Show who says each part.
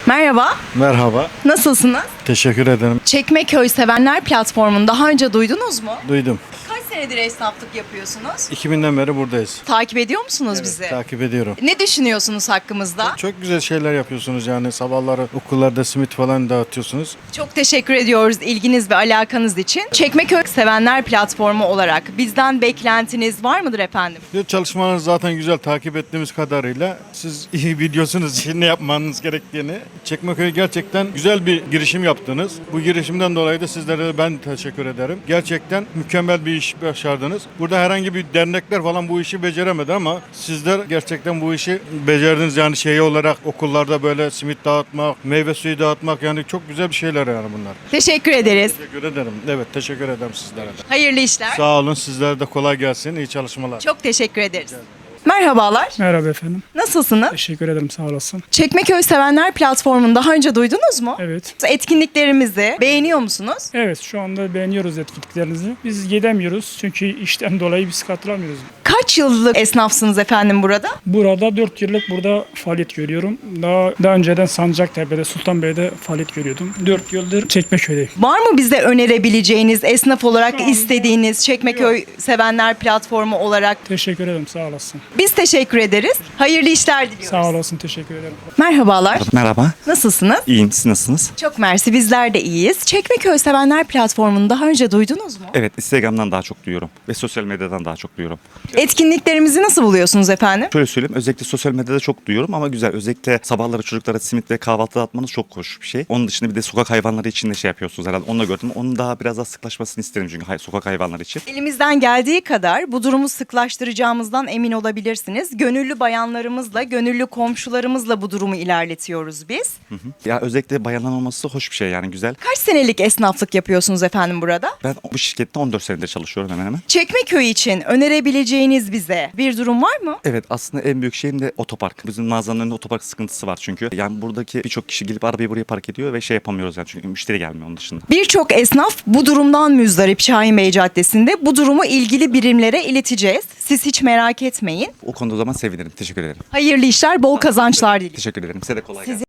Speaker 1: Merhaba,
Speaker 2: Merhaba,
Speaker 1: nasılsınız?
Speaker 2: teşekkür ederim.
Speaker 1: Çekmeköy Sevenler platformunu daha önce duydunuz mu?
Speaker 2: Duydum.
Speaker 1: Kaç senedir esnaflık yapıyorsunuz?
Speaker 2: 2000'den beri buradayız.
Speaker 1: Takip ediyor musunuz bizi?
Speaker 2: Takip ediyorum.
Speaker 1: Ne düşünüyorsunuz hakkımızda?
Speaker 2: Çok güzel şeyler yapıyorsunuz yani sabahları okullarda simit falan dağıtıyorsunuz.
Speaker 1: Çok teşekkür ediyoruz ilginiz ve alakanız için. Çekmeköy Sevenler platformu olarak bizden beklentiniz var mıdır efendim?
Speaker 2: Çalışmalarınız zaten güzel takip ettiğimiz kadarıyla siz iyi biliyorsunuz ne yapmanız gerektiğini. Çekmeköy gerçekten güzel bir girişim yaptınız. Bu girişimden dolayı da sizlere de ben teşekkür ederim. Gerçekten mükemmel bir iş başardınız. Burada herhangi bir dernekler falan bu işi beceremedi ama sizler gerçekten bu işi becerdiniz. Yani şey olarak okullarda böyle simit dağıtmak, meyve suyu dağıtmak yani çok güzel bir şeyler yani bunlar.
Speaker 1: Teşekkür ederiz.
Speaker 2: Teşekkür ederim. Evet teşekkür ederim sizlere de.
Speaker 1: Hayırlı işler.
Speaker 2: Sağ olun sizlere de kolay gelsin. İyi çalışmalar.
Speaker 1: Çok teşekkür ederiz. Merhabalar,
Speaker 3: Merhaba efendim.
Speaker 1: nasılsınız?
Speaker 3: Teşekkür ederim, sağ olasın.
Speaker 1: Çekmeköy Sevenler platformunu daha önce duydunuz mu?
Speaker 3: Evet.
Speaker 1: Etkinliklerimizi beğeniyor musunuz?
Speaker 3: Evet, şu anda beğeniyoruz etkinliklerinizi. Biz gidemiyoruz çünkü işten dolayı biz katılamıyoruz.
Speaker 1: Kaç yıllık esnafsınız efendim burada?
Speaker 3: Burada 4 yıllık burada faaliyet görüyorum. Daha önceden Sancaktepe'de, Sultanbeyli'de faaliyet görüyordum. 4 yıldır Çekmeköy'deyim.
Speaker 1: Var mı bize önerebileceğiniz esnaf olarak istediğiniz Çekmeköy Sevenler platformu olarak?
Speaker 3: Teşekkür ederim, sağ olasın.
Speaker 1: Biz teşekkür ederiz. Hayırlı işler diliyoruz.
Speaker 3: Sağ olasın, teşekkür ederim.
Speaker 1: Merhabalar.
Speaker 4: Merhaba,
Speaker 1: Nasılsınız?
Speaker 4: iyiyim. Siz nasılsınız?
Speaker 1: Çok mersi, bizler de iyiyiz. Çekmeköy Sevenler platformunu daha önce duydunuz mu?
Speaker 4: Evet, Instagram'dan daha çok duyuyorum ve sosyal medyadan daha çok duyuyorum.
Speaker 1: Etkinliklerimizi nasıl buluyorsunuz efendim?
Speaker 4: Şöyle söyleyeyim, özellikle sosyal medyada çok duyuyorum ama güzel. Özellikle sabahları çocuklara simit ve kahvaltı dağıtmanız çok hoş bir şey. Onun dışında bir de sokak hayvanları için de şey yapıyorsunuz herhalde. Onu da gördüm. Onun daha biraz daha sıklaşmasını isterim çünkü sokak hayvanları için.
Speaker 1: Elimizden geldiği kadar bu durumu sıklaştıracağımızdan emin olabilirsiniz. Gönüllü bayanlarımızla, gönüllü komşularımızla bu durumu ilerletiyoruz biz.
Speaker 4: Ya özellikle bayanların olması hoş bir şey yani güzel.
Speaker 1: Kaç senelik esnaflık yapıyorsunuz efendim burada?
Speaker 4: Ben bu şirkette 14 senedir çalışıyorum hemen hemen.
Speaker 1: Çekmeköy için önerebileceğiniz bize bir durum var mı?
Speaker 4: Evet, aslında en büyük şeyim de otopark. Bizim mağazanın önünde otopark sıkıntısı var çünkü. Yani buradaki birçok kişi gelip arabayı buraya park ediyor ve şey yapamıyoruz yani çünkü müşteri gelmiyor onun dışında.
Speaker 1: Birçok esnaf bu durumdan müzdarip Şahin Bey Caddesi'nde. Bu durumu ilgili birimlere ileteceğiz. Siz hiç merak etmeyin.
Speaker 4: O konuda o zaman sevinirim. Teşekkür ederim.
Speaker 1: Hayırlı işler, bol kazançlar diliyorum.
Speaker 4: Teşekkür ederim. Size de kolay gelsin.